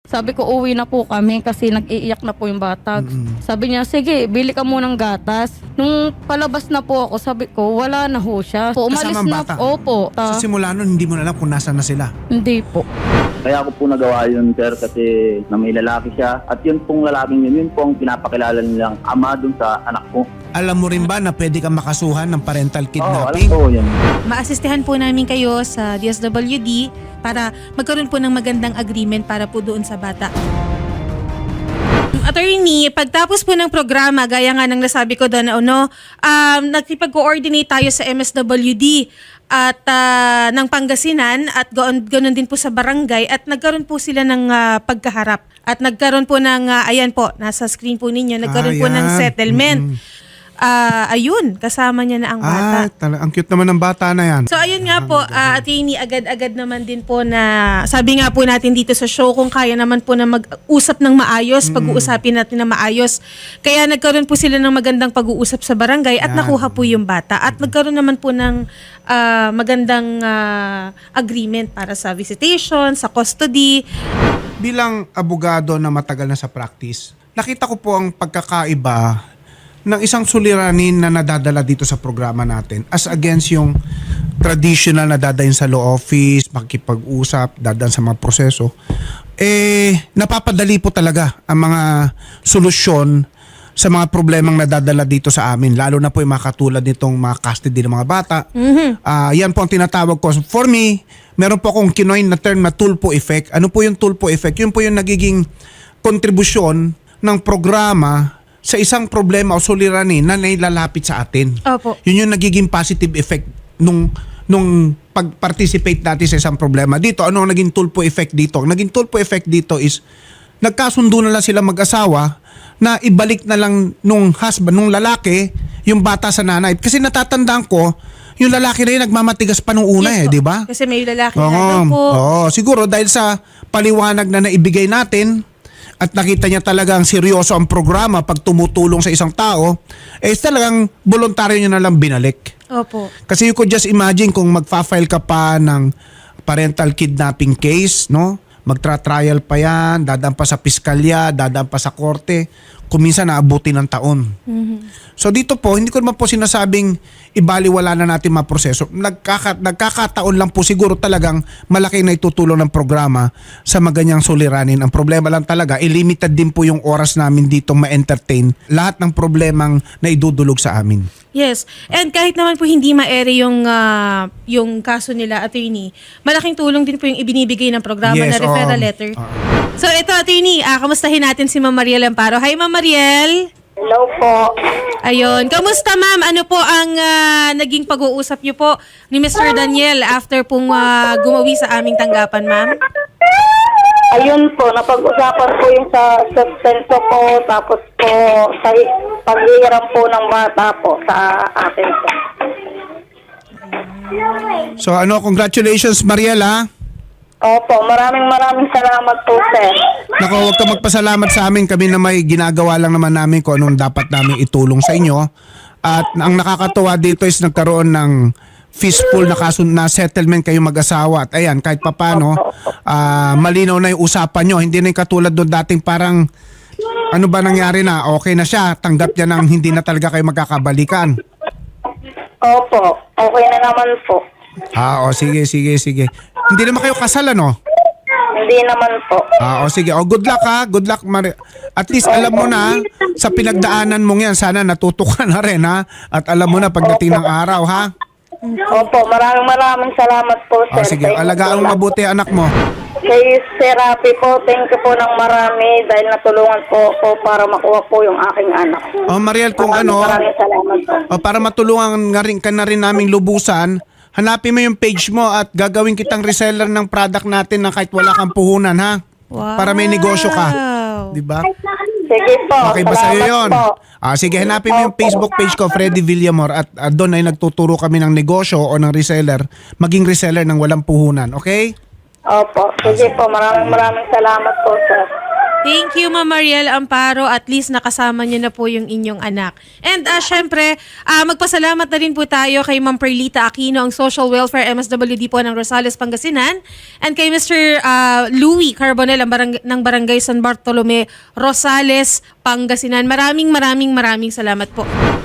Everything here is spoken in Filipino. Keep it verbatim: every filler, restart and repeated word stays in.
Sabi ko, uwi na po kami kasi nag-iiyak na po yung bata. Mm-mm. Sabi niya, sige, bili ka munang gatas. Nung palabas na po ako, sabi ko, wala na ho siya. Po, umalis Kasama ang na bata? Opo. Ta- Sa simula nun, hindi mo na alam kung nasa na sila. hindi po. Kaya ako po nagawa yun, sir, kasi na may lalaki siya. At yun pong lalaking yun, yun po ang pinapakilala nilang ama dun sa anak ko. Alam mo rin ba na pwede kang makasuhan ng parental Oo, alam kidnapping? ko yun. Maasistehan po namin kayo sa D S W D para magkaroon po ng magandang agreement para po doon sa bata. Attorney, pagtapos po ng programa, gaya nga ng nasabi ko doon, ano, um, nagkipag-coordinate tayo sa M S W D at ah, ng Pangasinan at goon, ganoon din po sa barangay at nagkaroon po sila ng ah, pagkaharap. At nagkaroon po ng, ah, ayan po, nasa screen po ninyo, nagkaroon po ng Ayan. settlement. Mm-mm. Ah, ayun, kasama niya na ang bata. Ah, tala- ang cute naman ng bata na yan. So ayun nga po, uh, attorney, agad-agad naman din po na sabi nga po natin dito sa show kung kaya naman po na mag-usap ng maayos, pag-uusapin natin na maayos. Kaya nagkaroon po sila ng magandang pag-uusap sa barangay at Yan. nakuha po yung bata. At nagkaroon naman po ng ah, magandang ah, agreement para sa visitation, sa custody. Bilang abogado na matagal na sa practice, nakita ko po ang pagkakaiba ng isang suliranin na nadadala dito sa programa natin as against yung traditional na dadayin sa law office, makikipag-usap, dadaan sa mga proseso. Eh, napapadali po talaga ang mga solusyon sa mga problemang nadadala dito sa amin, lalo na po yung mga katulad nitong mga custody ng mga bata. Ah, yan po ang tinatawag ko. For me, meron po akong kinoin na term na tulpo effect. Ano po yung tulpo effect? Yun po yung nagiging kontribusyon ng programa sa isang problema o suliranin na nailalapit sa atin. Opo. Yun yung nagiging positive effect nung nung pag-participate natin sa isang problema. Dito, ano ang naging tulpo effect dito? Ang naging tulpo effect dito is nagkasundo na lang sila mag-asawa na ibalik na lang nung husband, nung lalaki, yung bata sa nanay. Kasi natatandaan ko, yung lalaki na yun nagmamatigas pa nung una Yes eh, po. di ba? Kasi may lalaki Oo, na po. oo, siguro dahil sa paliwanag na naibigay natin at nakita niya talagang seryoso ang programa pag tumutulong sa isang tao, eh talagang voluntaryo niya na lang binalik. Opo. Kasi you could just imagine kung magfa-file ka pa ng parental kidnapping case, no? Magtra-trial pa yan, dadaan pa sa piskalya, dadaan pa sa korte, kung minsan naabuti ng taon. So dito po, hindi ko naman po sinasabing ibaliwala na natin mga proseso. Nagkaka, nagkakataon lang po siguro talagang malaki na itutulong ng programa sa maganyang suliranin. Ang problema lang talaga, limited din po yung oras namin dito ma-entertain lahat ng problemang na idudulog sa amin. Yes. And kahit naman po hindi ma-ere yung, ah, yung kaso nila, attorney, malaking tulong din po yung ibinibigay ng programa Yes, na referral oo. letter. Oo. So ito, attorney, ah, kamustahin natin si Ma'am Mariel Amparo. Hi, Ma'am Mariel. Hello po. Ayun. Kamusta, ma'am? Ano po ang ah, naging pag-uusap niyo po ni Mister Daniel after pong ah, gumawi sa aming tanggapan, ma'am? Ayun po, napag-usapan po yung sa sustento ko, tapos po sa pag-iiram po ng bata po sa akin po. So ano, congratulations Mariela. Opo, maraming maraming salamat po, sir. Naku, huwag ka magpasalamat sa amin. Kami na may ginagawa lang naman namin kung anong dapat namin itulong sa inyo. At ang nakakatuwa dito is nagkaroon ng fistful na kaso na settlement kayo mag-asawa. At ayan, kahit papano, ah, malinaw na yung usapan nyo. Hindi na yung katulad doon dating parang ano ba nangyari na? Okay na siya. Tanggap niya nang hindi na talaga kayo magkakabalikan. Opo, okay na naman po. Ah, o sige, sige, sige. Hindi naman kayo kasal, ano? Hindi naman po. Ah, o sige. O good luck ha. Good luck, Mari. At least alam mo na sa pinagdaanan mong yan, sana natuto ka na rin ha. At alam mo na pagdating ng araw ha. Opo, maraming maraming salamat po, sir. O sige, Thank you alagaan po. mo mabuti anak mo. Kay Sir Rafi po, thank you po ng marami dahil natulungan po ako para makuha po yung aking anak. O Mariel, kung Maraming ano, Maraming salamat po. o para matulungan nga rin, ka na rin naming lubusan, hanapin mo yung page mo at gagawin kitang reseller ng product natin na kahit wala kang puhunan ha. Wow. Para may negosyo ka. Di ba? Sige po. Okay ba sa'yo salamat yun? po. Ah, sige, hanapin mo yung Opo. Facebook page ko, Freddy Villamor, at ah, doon ay nagtuturo kami ng negosyo o ng reseller, maging reseller ng walang puhunan, okay? Opo. Sige po. Maraming maraming salamat po, sir. Thank you, Ma'am Mariel Amparo. At least nakasama niyo na po yung inyong anak. And uh, syempre, uh, magpasalamat na rin po tayo kay Ma'am Perlita Aquino, ang Social Welfare M S W D po ng Rosales, Pangasinan. And kay Mister Uh, Louie Carbonel ang barang- ng Barangay San Bartolome, Rosales, Pangasinan. Maraming maraming maraming salamat po.